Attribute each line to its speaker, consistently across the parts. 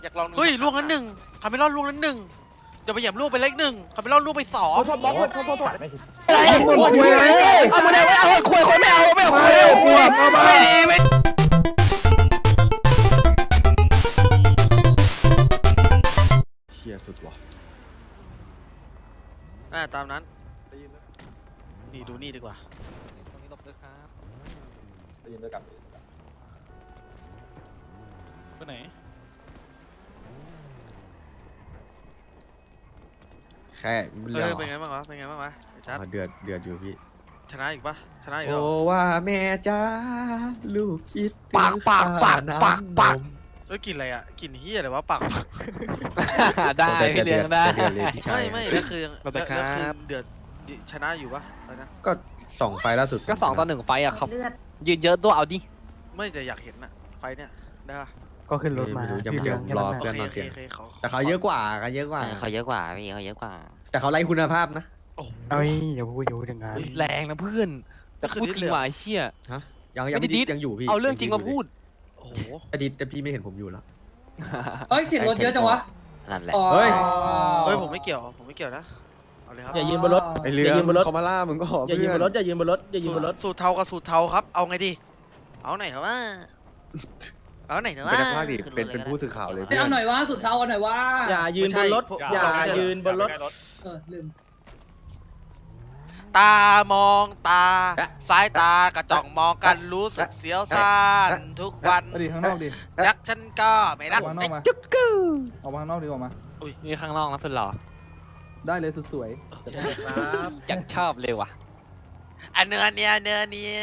Speaker 1: อยากลองดู
Speaker 2: เฮ้ยล่วงนั้นหนึ่งคาเมลอนล่วงนั้นหนึ่งจะไปเหยียบล่วงไปเล็กหนึ่งคาเมลอนล่วงไปสอง
Speaker 3: โทษบอสโทษ
Speaker 4: อะไรมึงคุยเลยเอามึงไม่เอาคุยคนไม่เอาคุยไม่ดีไม่
Speaker 5: เชี่ยสุดว่ะ
Speaker 2: ตามนั้นนี่ดูนี่ดีกว่า
Speaker 1: ตรงนี้หลบด้วยครับ
Speaker 3: ได้ยินด้วยกัน
Speaker 1: ไปไหน
Speaker 5: แค่เรื่อง
Speaker 2: เป็นไงบ้างวะเป็นไงบ้างวะไอ้จัด
Speaker 5: เดือดอยู่พี่
Speaker 2: ชนะอีกปะชนะอีก
Speaker 5: โอ้
Speaker 2: เหรอ
Speaker 5: ว่าแม่จ้าลูกคิด
Speaker 4: ปาก
Speaker 2: เอ้ยกลินอะไรอ่ะกลินเฮียอะไรวะปาก
Speaker 4: ได้พี่เลี้ยงได้
Speaker 5: เลยพี่ชาย
Speaker 2: ไม่แล้วคือ
Speaker 1: เราไปครับ
Speaker 2: แล้วคือเดือดชนะอยู่ปะอะไรนะ
Speaker 5: ก็2 ไฟล์ล่าสุด
Speaker 4: ก็2-1ไฟอะครับ
Speaker 6: เลือด
Speaker 4: ยืนเยอะตัวเอาดิ
Speaker 2: ไม่แต่อยากเห็นน่ะไฟเนี่ยได้ปะ
Speaker 7: ก็ขึ้นรถมา
Speaker 5: ไม่รู้ยัง
Speaker 7: พี่
Speaker 5: เดี๋ยว
Speaker 7: ลี้ง
Speaker 5: รอ
Speaker 2: โอ
Speaker 5: เพื่อน
Speaker 2: เค
Speaker 5: มา
Speaker 2: โอ
Speaker 5: เปลี่ยน
Speaker 2: เคขอ
Speaker 5: แต่เขาเยอะกว่าเขาเยอะกว่า
Speaker 8: เขาเยอะกว่าพี่เขาเยอะกว่า
Speaker 5: แต่เขาไล่คุณภาพนะ
Speaker 2: โอ้โห
Speaker 7: เอ้ยอย่าพูดอย่างนั้น
Speaker 4: แรงนะเพื่อนแต่พูดจริงว่ะเชี่ย
Speaker 5: ยัง
Speaker 4: ไม่ได้ดิส
Speaker 5: ยังอยู่พี่
Speaker 4: เอาเรื่องจริงมาพูด
Speaker 2: โอ้โห
Speaker 5: แต่พี่ไม่เห็นผมอยู่แล้ว
Speaker 6: เฮ้ยเสียงรถเยอะจังวะ
Speaker 8: นั่นแหละ
Speaker 5: เฮ้ย
Speaker 2: เฮ้ยผมไม่เกี่ยวนะเอาเลยครับ
Speaker 7: อย่ายืนบนรถ
Speaker 5: ไอเรือ
Speaker 7: อย่ายืนบนรถ
Speaker 5: เขามาล่ามึงก็
Speaker 7: อย่ายืนบนรถอย่ายืนบนรถอย่ายืนบนรถ
Speaker 2: สูตรเทากับสูตรเทาครับเอาไงดีเอาไหนครับว่าเอาไหนครับว่า
Speaker 8: เป็นนักพากย์ดิเป็นผู้สื่อข่าวเลย
Speaker 6: เอาหน่อยวะสุดเท้าเอาหน่อยวะ
Speaker 7: อย่ายืนบนรถ อย่ายืนบนรถ
Speaker 6: ลืม
Speaker 2: ตามองตาสายตากระจ่องมองกันรู้สึกเสียวซ่านทุกวัน
Speaker 7: ดิข้างนอกดิ
Speaker 2: จักฉันก็ไม่รัก
Speaker 7: ออกข้างนอกมา
Speaker 2: จุกกู
Speaker 7: ออกมาข้างนอกดีกว่ามา
Speaker 4: นี่ข้างนอกนะสุดหล่อ
Speaker 7: ได้เลยสุดสวย
Speaker 4: ยังชอบเลยว่ะ
Speaker 2: อันเนื้อเนี้ยแปล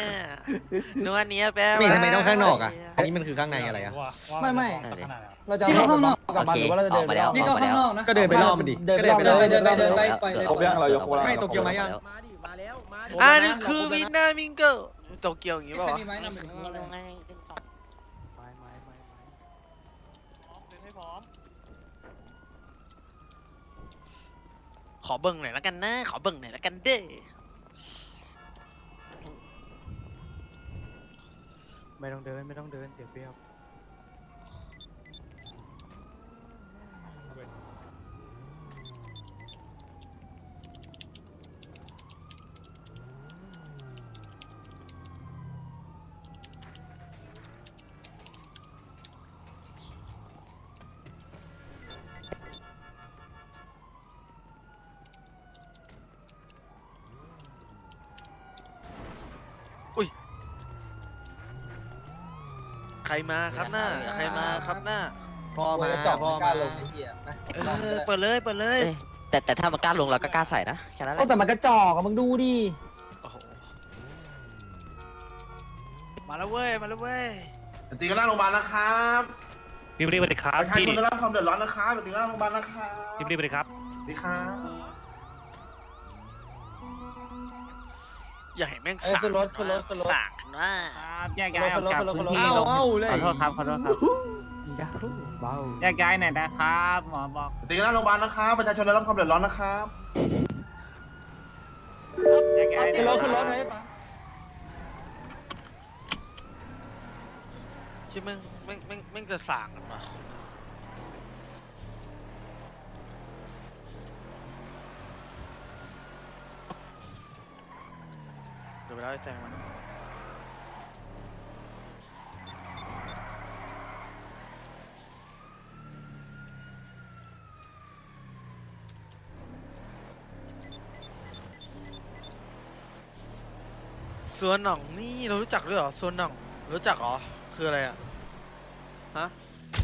Speaker 5: ไม่
Speaker 2: ว่า
Speaker 5: ทำไมต้องข้างนอกอ่ะอันนี้มันคือข้างในอะไรอ่ะ
Speaker 3: ไม่
Speaker 8: นั่นเลย
Speaker 3: เราจะ
Speaker 6: นี่ก็ข้างนอก
Speaker 3: กลับมาหรือว่าเราจะเดิน
Speaker 8: ออกมาแล้ว
Speaker 6: นี่ก็ข้างนอกนะ
Speaker 5: ก็เดินไปรอบมันดิ
Speaker 3: เดินไปรอบเลย
Speaker 6: เดินไปปล่อยเลย
Speaker 3: เขาเรียกเรายกโคราช
Speaker 5: ไม่โตเกียวมายัง
Speaker 7: มาดิมาแล้วมาดิ
Speaker 2: อันนี้คือวินามิงเกิลโตเกียวอย่างงี้ป่าวะ
Speaker 6: มีไหม
Speaker 2: ขอเบิ่งหน่อยละกันนะขอเบิ่งหน่อยละกันเด้
Speaker 7: ไม่ต้องเดินเจ็บเปรี้ยว
Speaker 2: ใครมาครับหน้าใครมาครับหน้า
Speaker 5: พ่อมา
Speaker 3: จอด
Speaker 5: พ่อ
Speaker 3: กล้า
Speaker 5: มา
Speaker 3: ลงไอ้เหี้ยนะ
Speaker 2: เปิดเลยเปิดเลย
Speaker 8: แต่ถ้ามันกล้าลงเราก็กล้าใส่นะแค่นั้นแห
Speaker 3: โอ้
Speaker 8: ละ
Speaker 3: แต่มันกระจอกอะมึงดูดิ
Speaker 2: โอ้โหมาแล้วเว้ยมาแล้วเว้ย
Speaker 9: ตีกันหน้าโรงพยาบาลนะครับ
Speaker 1: พี่รีบไปเลยครับ
Speaker 9: ประชา
Speaker 1: พี่
Speaker 9: ชนได้รับความเดือดร้อนนะครับตีกันหน้าโรงพยาบาลนะครับ
Speaker 1: พี่รีบไปเลยครับ
Speaker 9: สวัสดีครับ
Speaker 2: อย่าเห็นแม่ง
Speaker 3: เอ้ย
Speaker 2: สาก
Speaker 3: ขึ้นรถขึ้นรถขึ้นรถ
Speaker 2: สากกันว่า
Speaker 1: แยกย้ายออกจากพื้นที่
Speaker 5: เอ้าเลย
Speaker 1: ขอโทษครับขอโทษครับ
Speaker 7: ยาเบา
Speaker 1: แยกย้ายหน่อยนะครับหมอบอก
Speaker 9: ตีกันหน้าโรงพยาบาลนะครับประชาชนได้รับความเดือดร้อนนะครับ
Speaker 1: แยกย้าย
Speaker 3: ขึ้นรถขึ้นรถให้ปะ
Speaker 2: คิดแม่งจะสากกันวะเดี๋ยวไปเล่าให้แจ้งมันส่วนหน่องนี่เรารู้จักด้วยเหรอส่วนหน่องรู้จักเหรอคืออะไรอ่ะฮะ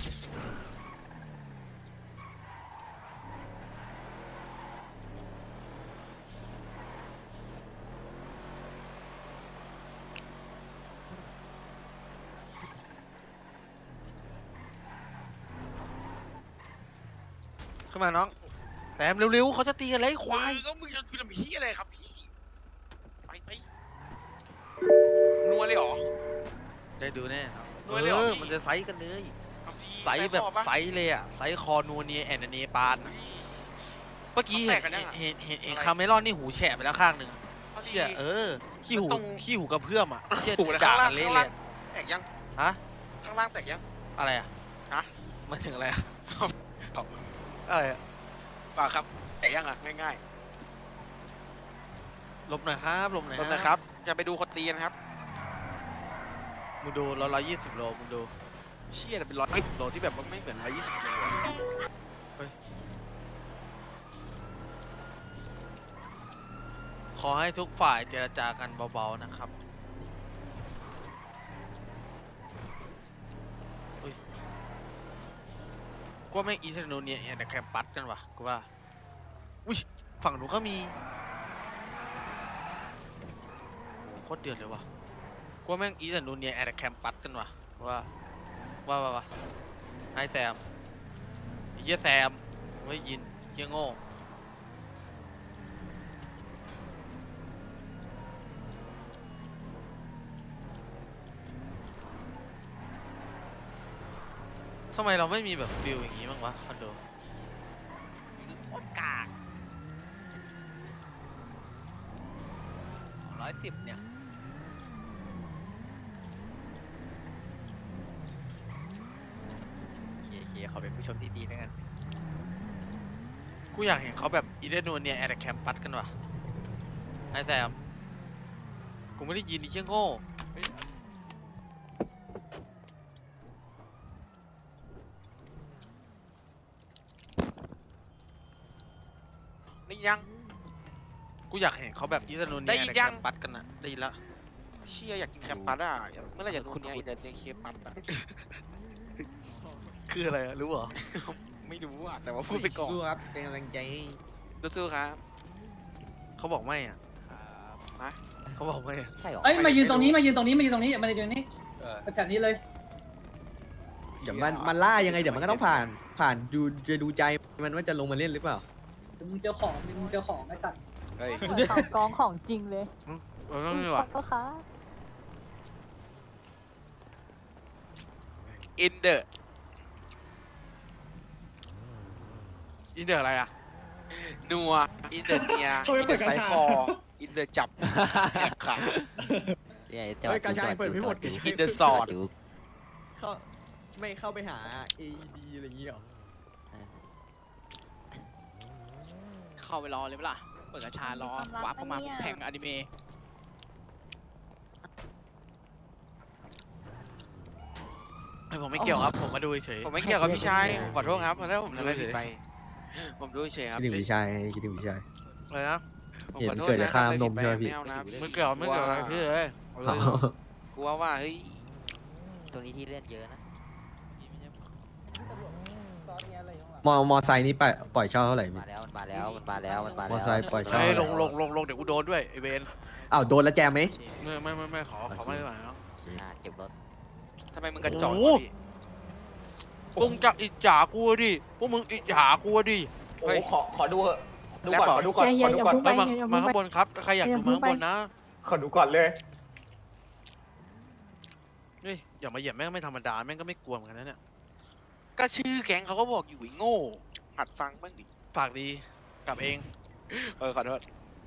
Speaker 2: ขึ้นมาน้องแซมเร็วๆเขาจะตีกันเลยควายก็มึงจะทำพี่อะไรครับพี่ไปนัวเลยเหรอได้ดูแน่ครับนัวเลยเหรอมันจะไซส์กันเลยไซส์แบบไซส์เลยอ่ะไซส์คอนัวเนียแอนเนปานเมื่อกี้เห็นคาเมลอนนี่หูแฉะไปแล้วข้างหนึ่งเชี่ยขี้หูกระเพื่อมอ่ะเชี่ยจ่ากันเละเลย
Speaker 1: แตกยัง
Speaker 2: ฮะ
Speaker 1: ข้างล่างแตกยัง
Speaker 2: อะไรอ่ะ
Speaker 1: ฮะ
Speaker 2: มาถึงอะไรอะอะไรอะ
Speaker 10: ป่าครับแต่ยังอ่ะง่าย
Speaker 2: หลบหน่อยครับหลบหน่อย
Speaker 10: ๆรถนะครับ จะไปดูคนตีนะครับ
Speaker 2: มึงดู120 โลมึงดู
Speaker 10: เชี่ยแต่เป็น120 โลที่แบบว่าไม่เหมือน120 โลอะ
Speaker 2: ขอให้ทุกฝ่ายเจรจากันเบาๆนะครับอุ้ยกูว่าแม่งอีสโนเนียแต่แคมปัสกันวะกูว่าอุ้ยฝั่งหนูก็มีโอ้โหโคตรเดือดเลยวะกูว่าแม่งอีสโนเนียแต่แคมปัสกันวะกูว่าไอ้แซมไอ้เหี้ยแซมไม่ยินเหี้ยโง่ทำไมเราไม่มีแบบฟิลอย่างงี้บ้างวะคอนโดโคตรกาก110เนี่ยเคเขาเป็นผู้ชมที่ดีนะกันกูอยากเห็นเขาแบบอีเดนโนเนียแอดแคมปัสกันวะไอ้แซมกูไม่ได้ยินดิเชี่ยโง่
Speaker 10: นี่ยัง
Speaker 2: กูอยากเห็นเขาแบบอีสโนเนี
Speaker 10: ได้
Speaker 2: ย
Speaker 10: ยิน
Speaker 2: แอด
Speaker 10: ยั
Speaker 2: แค
Speaker 10: ง
Speaker 2: มปัสกันนะได้ยินละ
Speaker 10: เชี่ยอยากกินแคมปัสอ่ะเมื่อไหรจะคุณเนี่ยเดินเคปัสอ่ะ
Speaker 2: คืออะไรอะรู้เหรอ
Speaker 10: ไม่รู้อ่ะแต่ว่าพูดไปก่อน
Speaker 5: สู้ครับเป็นกำลังใจให้
Speaker 10: สู้ๆครับ
Speaker 2: เขาบอกไม่อ่ะ
Speaker 10: ฮะ
Speaker 2: เขาบอกไม่อะ
Speaker 8: ใช่หรอ
Speaker 6: เอ้ยมายืนตรงนี้มายืนตรงนี้มายืนตรงนี้มายืนตรงนี้แถบนี้เลย
Speaker 5: เดี๋ยวมันล่ายังไงเดี๋ยวมันก็ต้องผ่านดูจะดูใจมันว่าจะลงมาเล่นหรือเปล่า
Speaker 6: มึงเจอของมึงเจอของไอ้สัตว์
Speaker 10: เฮ้ย
Speaker 11: กองของจริงเลย
Speaker 2: ไม่มีว่ะ
Speaker 11: ก็ค่ะ
Speaker 10: อินเดอร์
Speaker 2: อินเดอร์อะไรอ่ะ
Speaker 10: นัวอินเดอร์เนียอินเดอร์ไซคออินเดอร์จับแอบขา
Speaker 8: เนี่ย
Speaker 5: เฮ้ยกระชายเปิดไม่หมดกระชาย
Speaker 10: อินเดอร์สอด
Speaker 5: เข้าไม่เข้าไปหา AED อะไรอย่างเงี้ยหรอ
Speaker 1: เข้าไปรอเลยเปล่าเปิดกระชารอวาร์ปเข้ามาแทงอนิเมะ
Speaker 2: ไอผมไม่เกี่ยวครับ ผมมาดูเฉย
Speaker 10: ผมไม่เกี่ยวกับพี่ชายผมขอโทษครับเพราะถ้าผมทำอะไรผิดไป ผมรู้เฉยๆครับ
Speaker 5: คิดถึงพี่ชายคิดถึงพี่ชาย
Speaker 2: อะไรนะ
Speaker 10: ผมขอโทษ
Speaker 5: เกิด
Speaker 10: นะ
Speaker 5: จากค่าน้ำนมใช่ไหมพี่
Speaker 10: ไม่เอานะ
Speaker 2: ไม่เกี่ยวไม่เกี่ยวอะไรพี่เลยเอาเลย
Speaker 10: กูว่าเฮ้ย
Speaker 8: ตรงนี้ที่เล่นเยอะนะ
Speaker 5: มอไซค์นี้ปล่อยเช่าเท่าไหร่พี่
Speaker 8: มาแล้วมันมาแล้วมันมาแล้วมันมาแล้ว
Speaker 5: มอไซค์ปล่อยเช่า
Speaker 2: เฮ้ยลงเดี๋ยวกูโดนด้วยไอเวน
Speaker 5: อ้าวโดนแล้วแจมไหม
Speaker 2: ไม่ขอไม่ไหวเนาะ
Speaker 8: เก็บรถ
Speaker 10: ทำไมมึงกระจอก
Speaker 2: โอ้
Speaker 10: วะ
Speaker 2: โห
Speaker 10: พี่
Speaker 2: มึงจะอิจฉากูดิ พวกมึงอิจฉากูดิ
Speaker 3: โอ้ขอดูเหอะดูก่อนขอดูก่อนขอดูก่อน
Speaker 2: ไม่มาข้างบนครับ ใครอยากดูมาข้างบนนะ
Speaker 3: ขอดูก่อนเลย
Speaker 2: นี่อย่ามาเหยียบแม่งไม่ธรรมดา แม่งก็ไม่กลัวเหมือนกันนะเนี่ย
Speaker 10: ก็ชื่อแก๊งเขาก็บอกอยู่ไอ้โง่ หัดฟังบ้างดิ
Speaker 2: ฝากดีกลับเอง
Speaker 10: ขอโทษ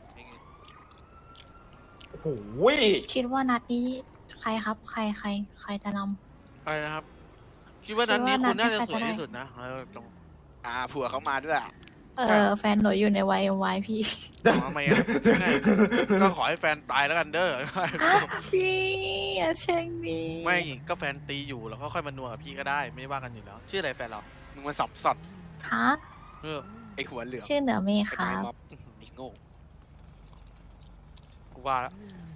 Speaker 3: โอ้โห
Speaker 11: คิดว่านัดนี้ใครครับใครจะน
Speaker 2: อะไรนะครับ คิดว่านั้นนี้คุณน่าจะสวยที่สุดนะเอาตรง
Speaker 10: ผัวเขามาด้วยอ่ะ
Speaker 11: ำแฟนหนูอยู่ในวัยพี่
Speaker 2: ทำไมอ่ะก็ขอให้แฟนตายแล้วกันเด้อ
Speaker 11: พี่อย่าแช่งดี
Speaker 2: ไม่ก็แฟนตีอยู่แล้วก็ค่อยมานัวกับพี่ก็ได้ไม่ว่ากันอยู่แล้ว ชื่ออะไรแฟนเรา
Speaker 10: มึงมาสับสอน
Speaker 11: ฮะ
Speaker 2: เออ
Speaker 10: ไอ้หัวเหลือง
Speaker 11: ชื่อเหนือเมฆ
Speaker 10: ไอ้
Speaker 11: ครั
Speaker 10: ไม้
Speaker 11: บ
Speaker 10: ม็อบไอ้โง่
Speaker 2: กูว่าแล้ว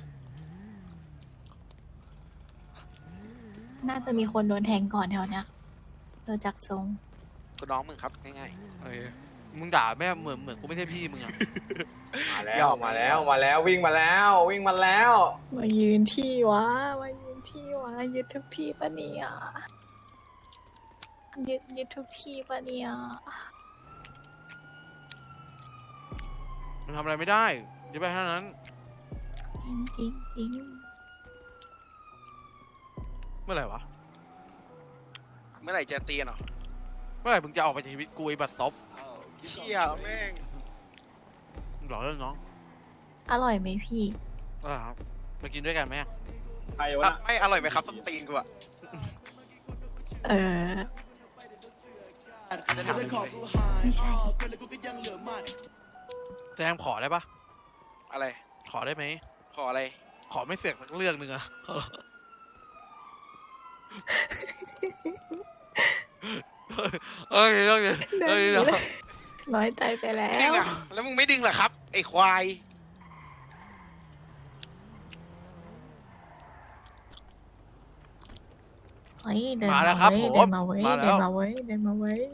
Speaker 11: น่าจะมีคนโดนแทงก่อนแถวเนี้ยดูจากทรง
Speaker 10: ก็น้องมึงครับง่าย
Speaker 2: เออมึงด่าแม่เหมือนกูไม่ใช่พี่มึงอ่ะ
Speaker 3: มาแล้ววิ่งมาแล้ว
Speaker 11: มายืนที่วะยึดทุกที่ปะเนี่ยยึดทุกที่ปะเนี่ย
Speaker 2: มันทำอะไรไม่ได้จะไปเท่านั้น
Speaker 11: จริง
Speaker 2: เมื่อไหร่วะ
Speaker 10: ๆเมื่อไหร่จะตีกันหรอ
Speaker 2: เมื่อไหร่มึงจะออกไปจากชีวิตกูไอ้บัตรซบ
Speaker 10: เชี่ยแม่ง
Speaker 2: มึงหล่อเรื่องน้อง
Speaker 11: อร่อยไหมพี่
Speaker 2: ครับมากินด้วยกันไหม
Speaker 3: ใครวะ
Speaker 10: ไม่อร่อยไหมครับส้มตีนกูอะ
Speaker 11: เออ
Speaker 10: จะทำอะไร
Speaker 11: ไม่ใช่
Speaker 2: แซมขอได้ปะ
Speaker 10: อะไร
Speaker 2: ขอได้ไหม
Speaker 10: ขออะไร
Speaker 2: ขอไม่เสียกสักเรื่องหนึ่งอะ เอ้ยเรื่องนี้
Speaker 11: เดิ
Speaker 2: เอ้
Speaker 11: น
Speaker 2: ย
Speaker 11: หนี
Speaker 2: เดี๋ยว
Speaker 11: เลยน้อยใจไปแล้
Speaker 10: ดึง
Speaker 11: ว
Speaker 10: อ่ะแล้วมึงไม่ดึงเหรอครับ ไอ้ควาย
Speaker 11: เฮ้ยเดิน
Speaker 2: มา
Speaker 11: มา
Speaker 2: แล้วครับ
Speaker 11: เว้ย
Speaker 2: ผม
Speaker 11: เดินมาเว้ย
Speaker 2: มา
Speaker 11: เดิ
Speaker 2: แล้
Speaker 11: น
Speaker 2: ว
Speaker 11: มาเว้ยเดินมาเว้ย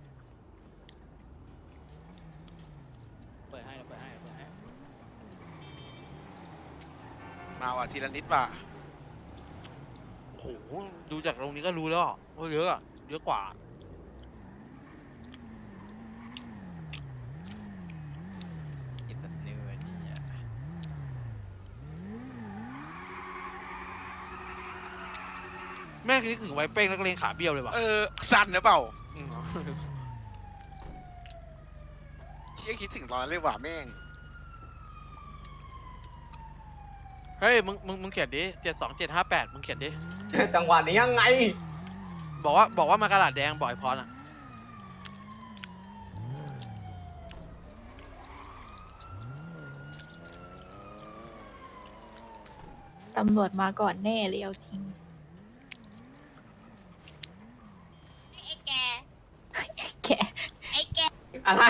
Speaker 1: เปิดให้เปิดให้เปิดให้
Speaker 10: มาว่ะทีละนิดว่ะ
Speaker 2: โอ้โหดูจากตรงนี้ก็รู้แล้วอะว่าเยอะอะเยอะกว่า
Speaker 1: อินเตอร์เน็ตเนี่ย
Speaker 2: แม่งคิดถึงไว้เป้งนักเลงขาเบี้ยวเลยว่ะ
Speaker 10: สั้นหรือเปล่า
Speaker 2: อืม
Speaker 10: เชี่ยคิดถึงตอนนั้นเลยว่ะแม่ง
Speaker 2: เฮ้ยมึงเขียนดิ72758มึงเขียนดิ
Speaker 3: จังหวะนี้ยังไง
Speaker 2: บอกว่ามากระดาษแดงบ่อยพอนะ
Speaker 11: ตำรวจมาก่อนแน่เลยเอาจริง
Speaker 12: ไอ้แก
Speaker 11: แก
Speaker 12: ไอ้แก
Speaker 3: อะไร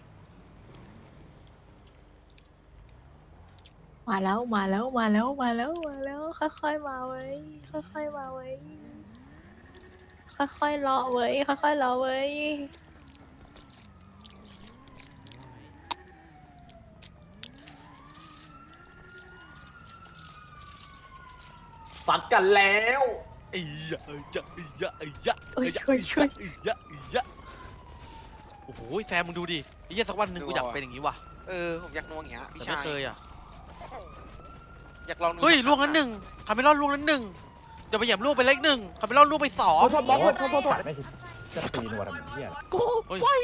Speaker 11: มาแล้วมาแล้วมาแล้วมาแล้วมาแล้วค่อยๆมาเว้ยค่อยๆมาเว้ยค่อยๆรอเว้ยค่อยๆรอเว้ย
Speaker 3: สัตว์กันแล้ว
Speaker 2: ไอ้ยะไอ้ยะไอ้ยะไอ้ยะ
Speaker 11: เอ้ยช่วยช่วย
Speaker 2: ไอ้ยะไอ้ยะโอ้โหแซมมึงดูดิไอ้เหี้ยสักวันหนึ่งกูอยากเป็นอย่างนี้ว่ะ
Speaker 10: ผมอยากนวงอย่างเงี้ยพี่
Speaker 2: แต่
Speaker 10: ชา
Speaker 2: ไม่
Speaker 10: ย
Speaker 2: เคยอ่ะ
Speaker 10: อยากลองดู
Speaker 2: เฮ้ยล่วงนั้นหนึ่งคาเมลอนล่วงนั้นหนึ่งเดี๋ยวไปเหยียบล่วงไปเลขหนึ่งคาเมลอนล่วงไปสอง
Speaker 7: โทษบอสโทษจะตีนวดอะไรเนี่ย
Speaker 2: เฮ้ย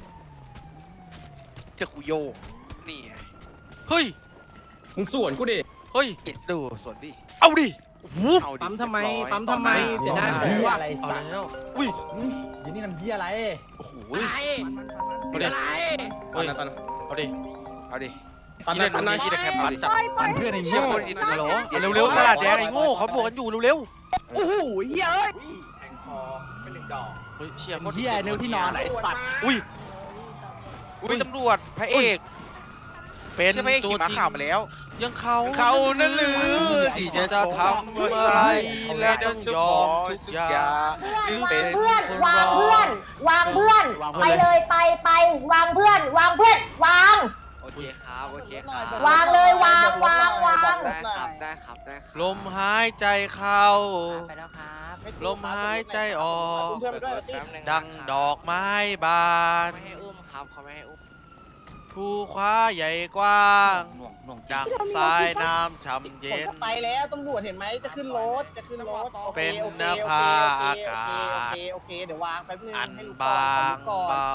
Speaker 10: เจอคุโยนี่ไง
Speaker 2: เฮ้ย
Speaker 7: มึงสวนกูดิ
Speaker 2: เฮ้ย
Speaker 10: ดูสวนดิ
Speaker 2: เอาดิโอ้โห
Speaker 10: เอาดิ
Speaker 7: ปั๊มทำไม
Speaker 10: เรียบร้อย
Speaker 7: ปั๊มทำไม เสียดายของว่า
Speaker 2: เอาแล้วอุ้ย
Speaker 7: ยินนี่น้ำเยี่ยอะไร
Speaker 2: โอ้โห
Speaker 7: อะไร
Speaker 2: เอาดิ
Speaker 7: อะไร
Speaker 2: เฮ้ยเอาดิ
Speaker 10: เอาดิ
Speaker 2: ที่เล่นวันนี้ที่ได้แค่ปัดจับ
Speaker 7: ปั่นเพื่อนไอ้
Speaker 10: เชี่ย
Speaker 7: โง่
Speaker 10: คนอิน
Speaker 2: ฮัลโหลเร็วๆกระดาษแดงไอ้โง่เขาบวกกันอยู่เร็ว
Speaker 7: โอ้โหเหี้ยเอ้ย
Speaker 3: แทงคอเป็น1 ดอก
Speaker 2: ๆเฮ้ยเชี่ยโคตร
Speaker 7: เหี้ยเนื้อที่นอนไหนสัตว์
Speaker 2: อุ้ย
Speaker 10: อุ้ยตำรวจพระเอก
Speaker 2: เป็น
Speaker 10: ใช่ไหม
Speaker 2: ตัว
Speaker 10: ขี่ม้า
Speaker 2: จริง
Speaker 10: ขาวมาแล้ว
Speaker 2: ยังเขา
Speaker 10: เขานั่นหรือ
Speaker 2: ที่จะทำอะไรและต้องยอมทุกอย่าง
Speaker 12: เพื่อน
Speaker 2: เป็น
Speaker 12: เพื่อน
Speaker 2: คน
Speaker 12: วาง
Speaker 2: รอ
Speaker 12: เพื่อนวางเพื่อนไปเลยไปวางเพื่อนวางเพื่อนวาง
Speaker 1: โอเคครับโอเคครับ
Speaker 12: วางเลยวางวางวาง
Speaker 1: ได้ครับได้ครับได้ครับ
Speaker 2: ลมหายใจเข้า
Speaker 1: ไปแล้วครับ
Speaker 2: ลมหายใจออก
Speaker 1: เพื่อนไปด้วยแป๊บนึง
Speaker 2: ดังดอกไม้บาน
Speaker 1: ไม่ให้อุ้มครับเขาไม่ให้อุ้ม
Speaker 2: ภูคว้าใหญ่กว้าง
Speaker 1: หน่วง
Speaker 2: ดังสายน้ำช่ำเย็น
Speaker 7: ไปแล้วตำรวจเห็นไหมจะขึ้นรถจะขึ้นรถ
Speaker 2: เป็นนภาอากาศ
Speaker 7: โอเคเดี๋ยววางแป๊บนึง
Speaker 2: อัน
Speaker 7: ให้รู้
Speaker 2: บางเบา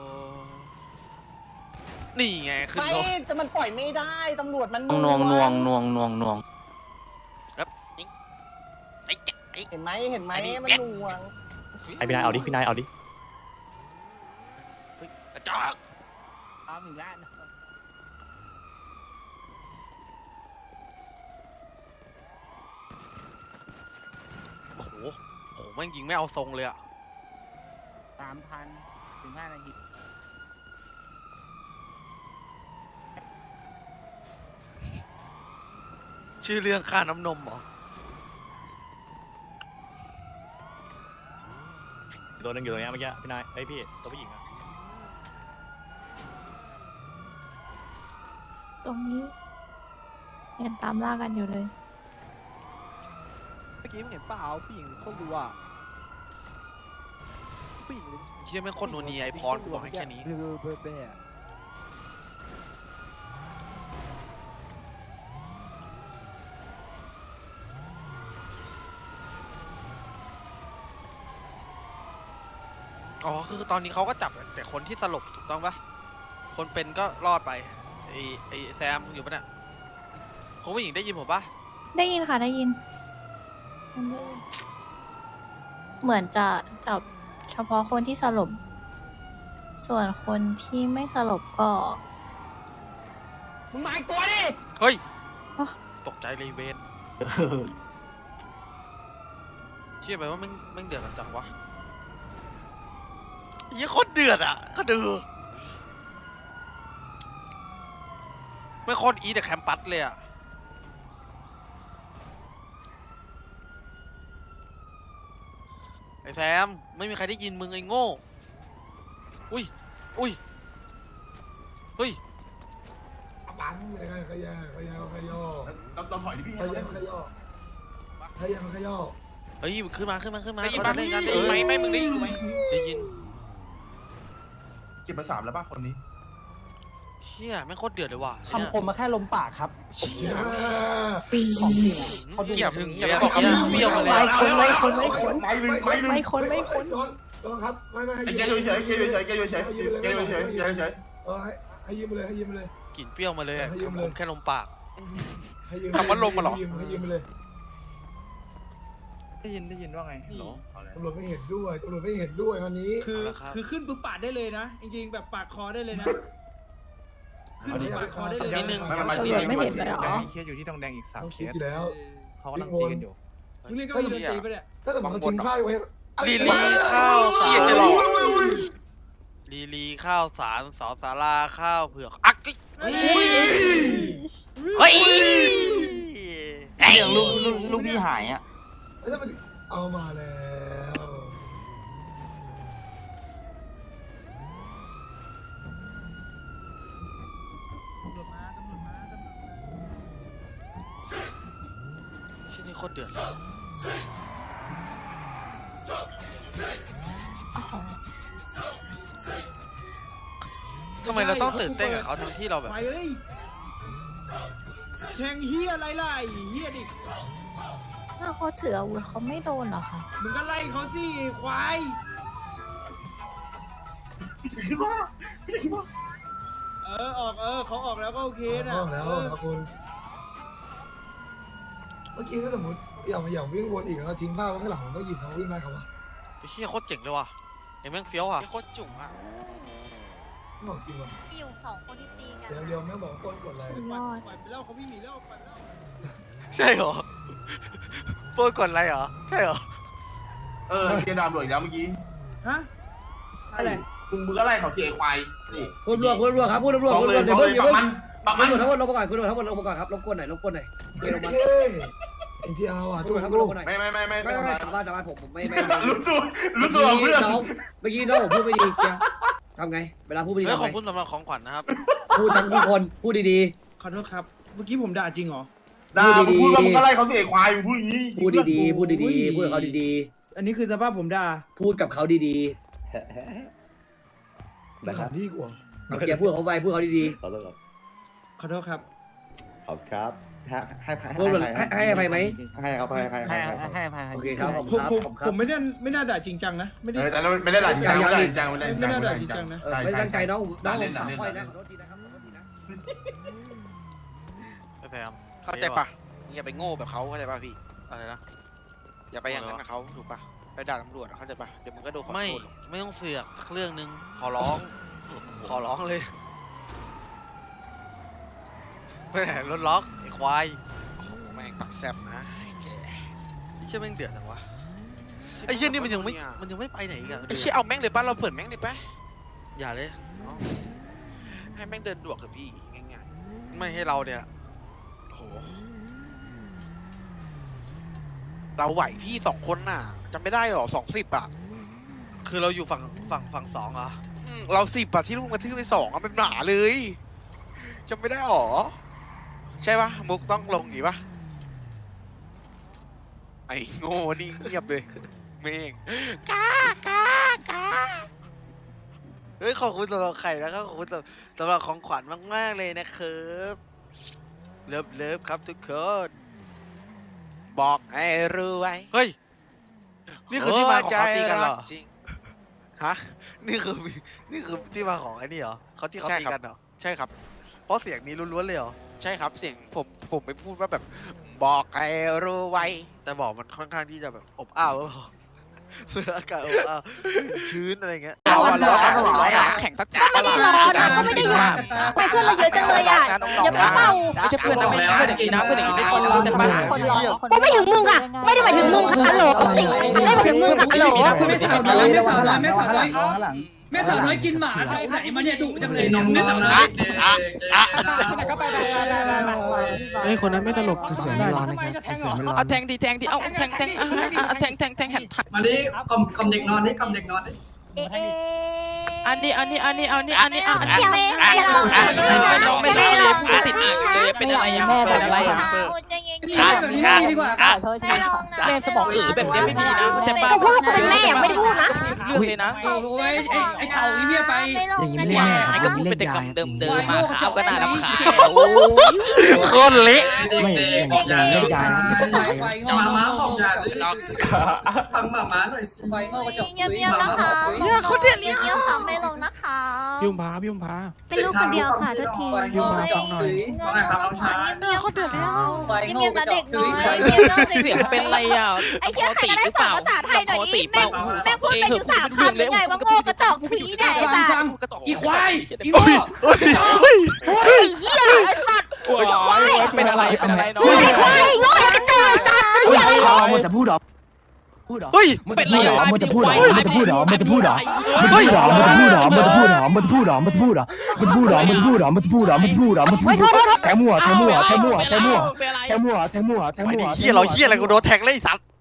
Speaker 2: นี่ไงขึ้น
Speaker 7: ไม่
Speaker 2: รถ
Speaker 7: จะมันปล่อยไม่ได้ตำรวจมัน
Speaker 1: นวง
Speaker 7: เห็นไหมมันหน่วง
Speaker 1: ไอพี่นายเอาดิพี่นายเอาดิ
Speaker 2: กระจอก
Speaker 7: เอาอีกแล้ว
Speaker 2: โอ้โหโอ้โหแม่งยิงไม่เอาทรงเลยอะ
Speaker 7: 3,000 ถึง 5 นาที
Speaker 2: ชื่อเรื่องค่าน้ำนมเหรอ
Speaker 1: ตัวนึงอยู่ตรงนี้เมื่อกี้พี่นายไอพี่ตัวผู้หญิงอะ
Speaker 11: ตรงนี้ยังตามล่ากันอยู่เลย
Speaker 7: เมื่อกี้มึงเห็นเปล่าผู้หญิงคนดูอ่ะผู้หญิง
Speaker 2: เชี่ยแม่งโคนนัวเนียไอพรกูบอกให้แค่นี้ อ๋อ คือตอนนี้เขาก็จับแต่คนที่สลบถูกต้องปะคนเป็นก็รอดไป ไอแซมอยู่ปะเนี่ยคุณผู้หญิงได้ยินผมปะ
Speaker 11: ได้ยินค่ะได้ยิน เหมือนจะจับเฉพาะคนที่สลบส่วนคนที่ไม่สลบก็
Speaker 4: มึงมาอีกตัวดิ
Speaker 2: เฮ้ย
Speaker 11: อ๋อ
Speaker 2: ตกใจเลยเวนเชื่อไหมว่าแม่งเดือดกันจังวะยี่โคตรเดือดอ่ะก็ดูไม่โคตรอีแต่แคมปัสเลยอ่ะไอ้แซมไม่มีใครได้ยินมึงไอ้โง่อุ้ยเฮ้ย
Speaker 4: ปั๊มเลยขย่อ
Speaker 9: ต้องถอยดิพี่
Speaker 4: ขย่อเ
Speaker 2: เฮ้ยขึ้นมา
Speaker 10: ได้ยิน
Speaker 2: เขา
Speaker 10: ปะ
Speaker 2: จะเล่นกัน
Speaker 10: ได้ยินไหมไม่มึงได้ยินไหม
Speaker 2: ได้ยิน
Speaker 9: เจ็บมา3แล้วป่ะคนนี้
Speaker 2: เชี่ยแม่งโคตรเดือดเลยว่ะ
Speaker 7: คำคมมาแค่ลมปากครับ
Speaker 2: เชี่ย
Speaker 7: ของจริง
Speaker 2: เขาดูถึง
Speaker 10: อย่าไปบอก
Speaker 2: เบี้ยวมาเลย
Speaker 11: ไม่คน
Speaker 9: ไม่
Speaker 4: ครับไม่ให้
Speaker 9: แกอยู่เฉยแกอยู่เฉย
Speaker 4: ให้ยืมเลย
Speaker 2: กลิ่นเปรี้ยวมาเลยอะ
Speaker 4: ให้ยืมเลย
Speaker 2: ผมแค่ลมปาก
Speaker 10: คำว่าลมมาหรอ
Speaker 4: ให้ยืมเลย
Speaker 7: ได้ยินว่าไง
Speaker 4: ตำรวจไม่เห็นด้วยวันนี้
Speaker 2: คือ
Speaker 6: ขึ้นปุ๊บปาดได้เลยนะ จริงๆแบบปาดคอได้เลยนะ ขึ้นปุ๊บปาดคอได้เลย
Speaker 2: นิดนึง
Speaker 11: ตำรวจไม่เห็นเลยเหรอ
Speaker 7: เคสอยู่ที่ตรงแดงอีก3
Speaker 4: ต้อง
Speaker 7: เค
Speaker 4: คิด
Speaker 7: ส
Speaker 4: อยู่แล้ว
Speaker 7: เขากำลังตีกันอยู่
Speaker 6: มึงเล่นก็มีดนตรีไปเนี่ย
Speaker 4: ถ้าเกิดเขาทิ้งผ้าไว้
Speaker 2: ลีข้าว
Speaker 10: เชี่ยจะหลอก
Speaker 2: ลีข้าวสารสอสาราข้าวเผือกอักเฮ้ย
Speaker 7: ลูกพี่หายอ่ะ
Speaker 4: แล้วถ้ามันเอามาแล้ว
Speaker 2: ชิ้นนี้โคตรเดือดทำไมเราต้องตื่นเต้นกับเขาทั้งที่เราแบบ
Speaker 6: ไปเอ้ยแทงเฮียอะไรล่ะไอ้เฮียดิ
Speaker 11: ถ้าเขาถืออาวุธเขาไม่โดนเหรอคะ
Speaker 6: มึงก็ไล่เขาสิควาย
Speaker 9: คิดว่า
Speaker 6: เขาออกแล้วก็โอเคนะ
Speaker 4: แล้วนะคุณเมื่อกี้ถ้าสมมติอย่างวิ่งวนอีกแล้วทิ้งผ้าไว้ข้างหลังผมต้องหยิบเขาวิ่งไล่เขาวะ
Speaker 2: ไอ้เชี่ยโคตรเจ๋งเลยว่ะไอ้แม่งเฟี้ยวอ่ะ
Speaker 10: โคตรจุ๋งอ่ะ
Speaker 4: ของจริงว่ะ
Speaker 12: อยู่2 คนที่ตีกัน
Speaker 4: เดี๋ยวแม่บอกก้นกดอะไร
Speaker 11: สุดยอด
Speaker 6: ปล่อยไปแล้วเขาพี่หมีแล้วปล่อยไปแล้ว
Speaker 2: ใช่เหรอโปรกดอะไรเหรอใช่เหรอ
Speaker 9: เจดามโดดอีกแล้วเมื่อกี้
Speaker 6: ฮะอะไร
Speaker 9: มึงก็ไล่เขาเสียควายนี่
Speaker 5: คุณตำรวจครับคุณตำรวจ
Speaker 9: เดี๋ยวเพิ่งปักมัน
Speaker 5: ตำรวจทั้งหมดลงมาก่อนคุณตำรวจทั้งหมดลงมาก่อนครับลงก้นหน่อยเกี่ยวลงมา
Speaker 4: เอ็นทีอาร์ว่ะ
Speaker 5: ทุ
Speaker 4: ทุ
Speaker 5: ก
Speaker 4: ก
Speaker 5: คนครับ
Speaker 4: ลู
Speaker 5: ล
Speaker 4: ก
Speaker 5: งมาหน่อย
Speaker 9: ไม่
Speaker 5: สามารถผมไม่
Speaker 9: รู้ตัวเพื่อน
Speaker 5: เมื่อกี้น้องผมพูดไม่ดีทำไงเวลาพูดไม่ดี
Speaker 2: เฮ้ย
Speaker 5: ทำ
Speaker 2: ข
Speaker 5: ไง
Speaker 2: อบคุณสำหรับของขวัญนะครับ
Speaker 5: พูดทั้งทุกคนพูดดี
Speaker 6: ขอโทษครับ เมื่อกี้ผมด่าจริงเหรอ
Speaker 9: ด่ามึงพูดว่ามึงก็ไล่เขาเสียควายมึงพูดอย่างนี้
Speaker 5: ๆพูดดีๆพูดกับเขาดี
Speaker 6: อันนี้คือสภาพผมด่า
Speaker 5: ๆพูดกับเขาดี
Speaker 4: แต่ขันที่กว่า
Speaker 5: ๆเอาแกพูดกับเขาไปพูดเขาดี
Speaker 6: ขอโทษครับ
Speaker 9: ขอบครับให้
Speaker 5: ๆพูดให้อภัยไหม
Speaker 9: ให้ครับให้
Speaker 5: โอเคครับขอบ
Speaker 6: ผ
Speaker 5: คุ
Speaker 6: ม
Speaker 5: ณครับ
Speaker 6: ผม
Speaker 5: ขอบคุณค
Speaker 6: ผ
Speaker 5: รับ
Speaker 6: มไม่น่าด่าจริงจังนะ ไม่ได้
Speaker 9: แต่ไม่ได้ด่าจริงจังไม่ได้จริงจังไม่ได้จริงจัง
Speaker 6: ไม่น่าด่าจริงจังนะ
Speaker 5: ไม่ตั้งใจน้องผมถามค่อยนะขอโทษทีนะครับ
Speaker 2: ไอ้แซม
Speaker 10: เข้าใจปะอย่าไปโง่แบบเขาเข้าใจปะพี่
Speaker 2: อะไรนะ
Speaker 10: อย่าไปอย่างนั้นกับเขาถูกปะไปด่าตำรวจเข้าใจปะเดี๋ยวมึงก็โดนขอโทษ
Speaker 2: ไม่ต้องเสือกสักเรื่องนึงขอร้องเลยไม่ไหนรถล็อกไอ้ควาย
Speaker 10: โอ้โหแม่งปากแซบนะไอ้แก
Speaker 2: ไอ้เชี่ยแม่งเดือดจังวะไอ้เชี่ยนี่มันยังไม่ไปไหนอีกอะ
Speaker 10: ไอ้เชี่ยเอาแม่งเลยป่ะเราเปิดแม่งเลยป่ะ
Speaker 2: อย่าเลย
Speaker 10: ให้แม่งเดินดวกกับพี่ง่าย
Speaker 2: ไม่ให้เราเนี่ย
Speaker 10: ๆโอ้โหเราไหวพี่2 คนน่ะจำไม่ได้หรอ20อ่ะ
Speaker 2: คือเราอยู่ฝั่งสองเหรอ
Speaker 10: เรา10อ่ะที่ลุงกระทืบไป2อ่ะเป็นหนาเลยจำไม่ได้หรอใช่ปะมุกต้องลงอย่างงี้ปะไอ้โง่นี่เงียบเลยเมงกากา
Speaker 2: เฮ้ยขอบคุณสำหรับไข่นะครับขอบคุณสำหรับของขวัญมากๆเลยนะครับเลิฟครับทุกคน
Speaker 10: บอกให้รู้ไว้
Speaker 2: เฮ้ยนี่คือที่มาของเขาตีกันเหรอ
Speaker 10: จริงฮะ
Speaker 2: นี่คือที่มาของไอ้นี่เหรอเขาที่เขาตีกันเหรอ
Speaker 10: ใช่ครับ
Speaker 2: เพราะเสียงนี้ล้วนๆเลยเหรอ
Speaker 10: ใช่ครับเสียงผมไปพูดว่าแบบบอกให้รู้ไว้
Speaker 2: แต่บอกมันค่อนข้างที่จะแบบอบอ้าวหรือเปล่าอากาศชื้นอะไรเงี้ย
Speaker 1: เอาอะร้อนแข่งสักจักร
Speaker 12: ไม่ได้ร้อนนะก็ไม่ได้หยุดไปเพื่อนเราเยอะจังเลยอ่ะอย่าไปเป่า
Speaker 1: ไม่ใช่เพื่อนนะไม่ใช่เพื่อนอย่างนี้นะเพื่อนอย่างนี้ไม่คนรู้แต่บ้าน
Speaker 12: กูไม่ถึงมึงค่ะไม่ได้หมายถึงมึงค่ะฮัลโหลไม่ได้หมายถึงมึงค่ะฮัลโหล
Speaker 6: ไม่สาวน้อยไม่สาวน้อยไม่สาวน้อยแม่สาวน้อยกินหมาไทยไหนมาเนี่ยดุจังเลยเนี่ยแม่สาวน้อย
Speaker 7: เฮ้ยคนนั้นไม่ตลก
Speaker 4: สวยไม่ร้อนนะครับสวยไม่ร้อน
Speaker 1: เอาแทงดีเอาแทงแทงแผ่นถัก
Speaker 3: มาดิกล่อมเด็กนอนดิกล่อมเด็กนอนดิ
Speaker 1: อันนี้
Speaker 12: ไม่ได้หรอก
Speaker 1: พูดติดอ่างเลยเป็นอะไรอ่ะเป็นอะไรอ่ะ
Speaker 6: แบบนี้ไม่ดีดีกว่า
Speaker 1: แม่สมองแบบนี้ไม่มีนะจะบ้า
Speaker 12: กูพูดว่ากูเป็นแม่ไม่ได้พูดนะ
Speaker 1: เรื่องเลยนะ
Speaker 6: โอ้ยไอ้เข่าอีเมียไป
Speaker 4: อย่างนี้ไม่เล่นแม่
Speaker 1: ไอ้
Speaker 4: อ
Speaker 1: ก็
Speaker 4: ย่าง
Speaker 1: พู
Speaker 4: นี้
Speaker 1: ด
Speaker 4: เล่
Speaker 1: เป็น
Speaker 4: น
Speaker 1: แต่
Speaker 4: ยาก
Speaker 1: ล่องเดิมมาขาวก็น่ารำคาญ
Speaker 2: โคตรเละ
Speaker 4: ไม่อย่างนี้เล่นยานะไม่ต้องไป
Speaker 6: ไฟ
Speaker 3: จะ
Speaker 6: งอ
Speaker 3: มาม้าของยาทำหมาม้าหน่อยสิ
Speaker 6: ไฟงอกระจก
Speaker 12: เงียบๆนะคะเงียบๆค่ะไม่ลงนะคะ
Speaker 7: ยุ่มพา
Speaker 12: เป็นลูกคนเดียวค่ะทุกที
Speaker 6: ไฟงอกกระจกถุย
Speaker 3: ว่าไงครับน้องชาย
Speaker 12: เงียบๆเขาเดือดแล้ว
Speaker 6: ไฟงอกกระจกถุย
Speaker 1: เสียงเป็นไรอ่ะ
Speaker 12: ไอ้เหี้ยใครก็ได้
Speaker 1: หรือ
Speaker 12: ส
Speaker 1: เป
Speaker 12: อน
Speaker 1: ล่า
Speaker 12: ภาษาไทยหน่อย
Speaker 1: ตี
Speaker 12: ดิ
Speaker 1: เปล่า
Speaker 12: แม่งพูดไปอยู่3 คำยังไงว่าโง่กระจอกถุยไหน
Speaker 6: ฟัง
Speaker 12: จ้ะ
Speaker 6: อีควายอีโง่
Speaker 12: เหี้ยไอ้สัตว์
Speaker 1: เป็นอะไรเนาะ
Speaker 12: ไอ้ควายโง่กระจอกสัตว์เหี้ยอะไร
Speaker 4: มันจะพูดหรอพูดหรอ
Speaker 2: เฮ้ย
Speaker 1: เป็นไร
Speaker 4: มันจะพูดหรอมันจะพูดหรอมันจะพูดหรอมันจะพูดหรอมันจะพูดหรอมันจะพูดหรอมันจะพูดหรอมันจะพูดหรอมันจะพูดหรอมันจะพูดหรอมันจะพูดหรอมันจะพูดหรอมันจะพูดหรอแทงมั่วแทงมั่วแทงมั่วแทงมั่วแทงมั่วแทงมั่วแทง
Speaker 2: ไป
Speaker 4: มั่ว
Speaker 2: ดิเฮียเราเฮียอะไรกูโดนแทงเลยไอ้สัตว์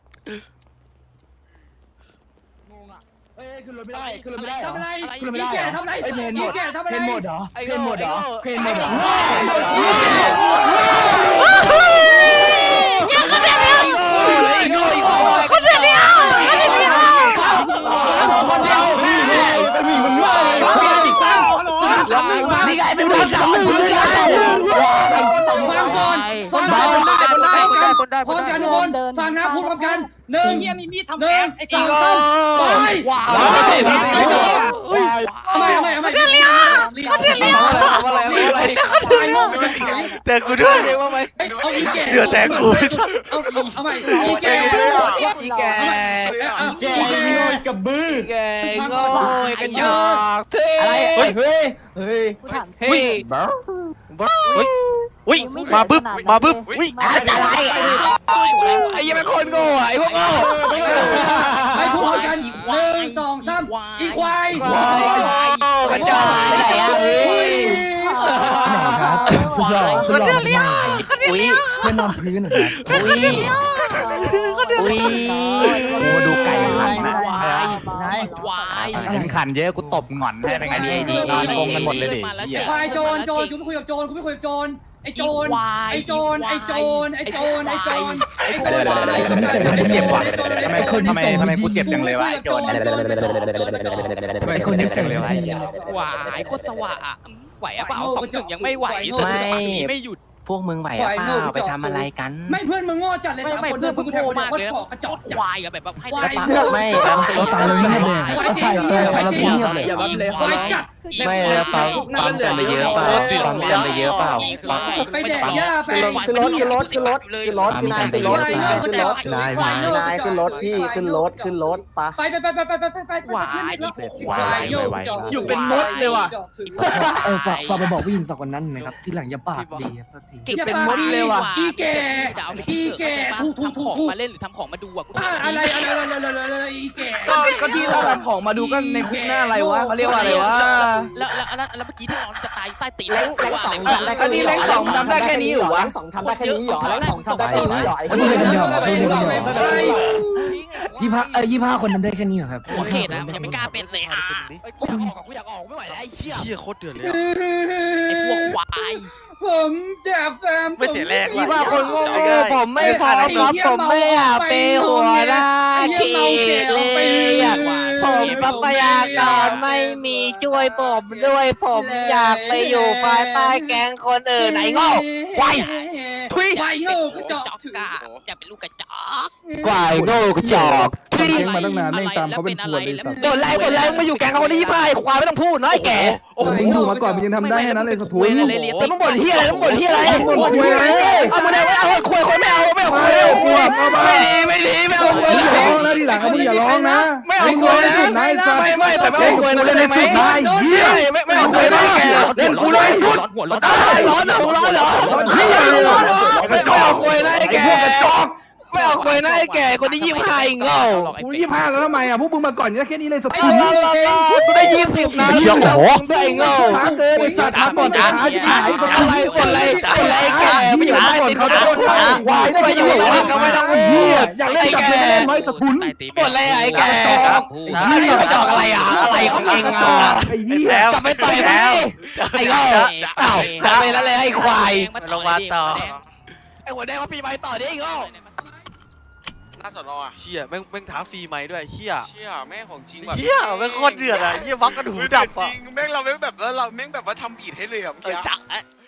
Speaker 4: เอ้ยขึ้นรถไม่ได้ขึ้นรถไม่ได้เหรอ
Speaker 6: ทำอะไร
Speaker 4: ขึ้นรถไม่ได้
Speaker 6: อี
Speaker 4: เหร
Speaker 6: แก่
Speaker 4: อ
Speaker 6: ทำอะไร
Speaker 4: ไอ้เพนหม
Speaker 6: อี
Speaker 4: ด
Speaker 6: แก่ทำอะไร
Speaker 4: เพนหมดเหรอเพนหมดเหรอเพนหมดเหรอ
Speaker 12: คนเดียว
Speaker 4: คนเดียวเป็นหมีมันง่ายนี่ไงเป็นคนจับมือเลย
Speaker 6: ฟังก่อนฟังก่อนพร้อมกันทุกคนฟังนะพูดพร้อมกัน1
Speaker 1: เฮียมีมีดทำ
Speaker 6: 1 2 3ไปไม่
Speaker 2: แต่กูด้วย
Speaker 6: เอาอีแก่
Speaker 2: เดือดแต่กู
Speaker 6: เอาใหม่อีแก่
Speaker 4: อีแกแกโง่กับมือแกโง่กันหยอกอะไรเฮ้ยเฮ้ยเฮ้ย
Speaker 2: เฮ้ยอุ้ยมาบึ้บมาบึ้บอุ้ย
Speaker 4: อะไรไอ้ยังเป็นคนโง่ไอ้พวกโง่
Speaker 6: ไปพูดพร้อมกัน1 2 3อีควาย
Speaker 4: กระจอกไหนอะเฮ้ยครับสุดหล่อสุดหล่อมากอุ้ยเพื่อนนอนพื้นนะครับอุ้ยโอ้ดูไก่ขันนะ
Speaker 1: ควาย
Speaker 7: เห็นขันเยอะกูตบหงอนให้เป็นไงดีนอนกงกันหมดเลยดิ
Speaker 6: ควายโจรกูไม่คุยกับโจรไอ้โจรไอ้โจรไอ้โจรไอ้โจรไอ้โจรไอ้โจร
Speaker 7: เจ็บว่ะทำไมกูเจ็บจังเลยวะไอ้โจร
Speaker 4: ไอ้คนนี้เสียงดี
Speaker 1: ควายโคตรสว่ะไหวอ่ะเปล่า2-1ยังไม่ไหวไม่หยุด
Speaker 7: พวกมึงไหวอ่ะเปล่าไปทำอะไรกัน
Speaker 6: ไม่เพื่อนมึงโง่จัดเลย
Speaker 1: ไม่
Speaker 6: 3 คน
Speaker 1: เพื่อน
Speaker 6: มึ
Speaker 1: มึ
Speaker 6: ง
Speaker 1: ง
Speaker 6: กู
Speaker 1: โง่
Speaker 6: แทง
Speaker 1: มาก
Speaker 6: คน
Speaker 1: เลย
Speaker 6: ขอกระจอก
Speaker 1: ควายอะแบบให้
Speaker 7: ไม่
Speaker 4: เราตายเลยไม่ได้เขาถ่ายเราเงียบเลย
Speaker 6: ควายจัด
Speaker 7: ไม่แล้วปั๊มกันไปเยอะเปล่าปั๊มกันไปเยอะเปล่า
Speaker 6: ไปแดกหญ้าไป
Speaker 5: ขึ้นรถขึ้นรถขึ้นรถขึ้นรถพี่นายขึ้นรถพี่นายขึ้นรถพี่นายขึ้นรถพี่ขึ้นรถขึ้นรถปะ
Speaker 6: ไปอยู่เป็นมดเลยว่ะ
Speaker 4: ฝากไปบอกผู้หญิงสองคนนั้นนะครับที่หลังอย่าปากดีครับสักที
Speaker 6: อย่าเป็นมดเลยว่ะอีแก่ถูก
Speaker 1: มาเล่นหรือทำของมาดูอ่ะกู
Speaker 6: อะไรอีแก่
Speaker 4: ก็ที่เราทำของมาดูกันในคุกหน้าอะไรวะเขาเรียกว่าอะไรวะ
Speaker 1: แล้วเมื่อกี้ที่เราจะตายใต้ตีน
Speaker 5: แรง2ทำได้แค่นี้แรง2ทำได้แค่นี้เหรอแรง2ทำได้แค่นี้เหรอแรง2ทำได้แค่นี้เหรอไอ้
Speaker 4: ดูกันเดียว25คนทำได้แค่นี้เหรอครับ
Speaker 1: หัวเขตนะยังไม่กล้าเป็นเลยอ่ะ
Speaker 4: กูอยากออกไม่ไหวแล้วไอ้เหี้ย
Speaker 2: เฮียโคตรเดือดเลย
Speaker 1: ไอ้พวกควาย
Speaker 6: ผมจะแฟม
Speaker 2: ไม่เสียแรง
Speaker 5: 25คนโง่ผมไม่พอครับผมไม่อยากไปหัวหน้าทีเลยผมทรัพยากรไม่มีช่วยผมด้วยผมอยากไปอยู่ภายใต้แก๊งคนอื่นไอ้โง่ไว
Speaker 6: ไวโง่กระจอก
Speaker 1: กะจะเป็นลูกกระจอก
Speaker 5: กวายโง่กระจอกทุ
Speaker 1: เก่งมาตั้งนานไม่ตามเขาเป็นอะไรแล้ว
Speaker 5: บ่นไรมึงมาอยู่แก๊งเขาคนที่25ไอ้ควายไม่ต้องพูดนะไอ้แก่
Speaker 10: โอ้โห
Speaker 1: อยู่มาก่อนมึงยังทำได้แค่นั้นเลยสะทุน
Speaker 5: แต่มึงบ่นเฮียอะไรมึงบ่นเฮียอะไรเอามึงไม่เอาคุยคนไม่เอาคุยไม่ดีไม่เอาคุย
Speaker 1: อย่าร้องนะทีหลังมึงอย่าร้องนะ
Speaker 5: ไม่เอาคุยนะไม่แต่ไม่เอาคุยนะได้ไหมไม่เอาคุยนะแกเล่นกูเลยสุดร้อนเหรอไม่เอาคุยนะไอ้แกไม่เอาคุยนะไอ้แกคนที่25อีกเงา
Speaker 1: กู25แล้วทำไมอ่ะพวกมึงมาก่อนแค่นี้เลยสะ
Speaker 5: ไอ้
Speaker 1: ทุน
Speaker 5: กูได้20นะไอ้เงา
Speaker 1: ช้าเกินไอ้สัตว์ช้าบ่นช้าช้าไอ้สัตว์
Speaker 5: อะไรบ่นอะไรแกไม่อยู่ใต้ติดเขาจะโดนวายไม่อยู่ใต้ติดเขาไม่ต้องพูด
Speaker 1: อยากเล่นกับเล่นน้อยสะทุน
Speaker 5: บ่นอะไรไอ้แกนี่ไปจอกอะไรอะไรของเองอ่ะ
Speaker 1: ไอ้เหี้ย
Speaker 5: กลับไปต่อยไหมไอ้เงาเอ้ากลับไปแล้วเลยไอ้ควาย
Speaker 2: ลงมาต่อ
Speaker 5: ไอ้หัวแดงมาปีใหม่ต่อดิไอ้เงา
Speaker 10: หน้าสอนอ่ะ
Speaker 2: เฮียแม่งท้าฟรีไหมด้วยเฮีย
Speaker 10: เชี่ยแม่ของจริงแบบ
Speaker 2: เฮียแม่งโคตรเดือดอ่ะเฮียวักกระดูกดับ
Speaker 10: จ
Speaker 2: อ่ะ
Speaker 10: ริงแม่งเราแม่งแบบว่าเราแม่งแบบว่าทำบีทให้เลยอ่ะเมื่อกี้
Speaker 2: จัก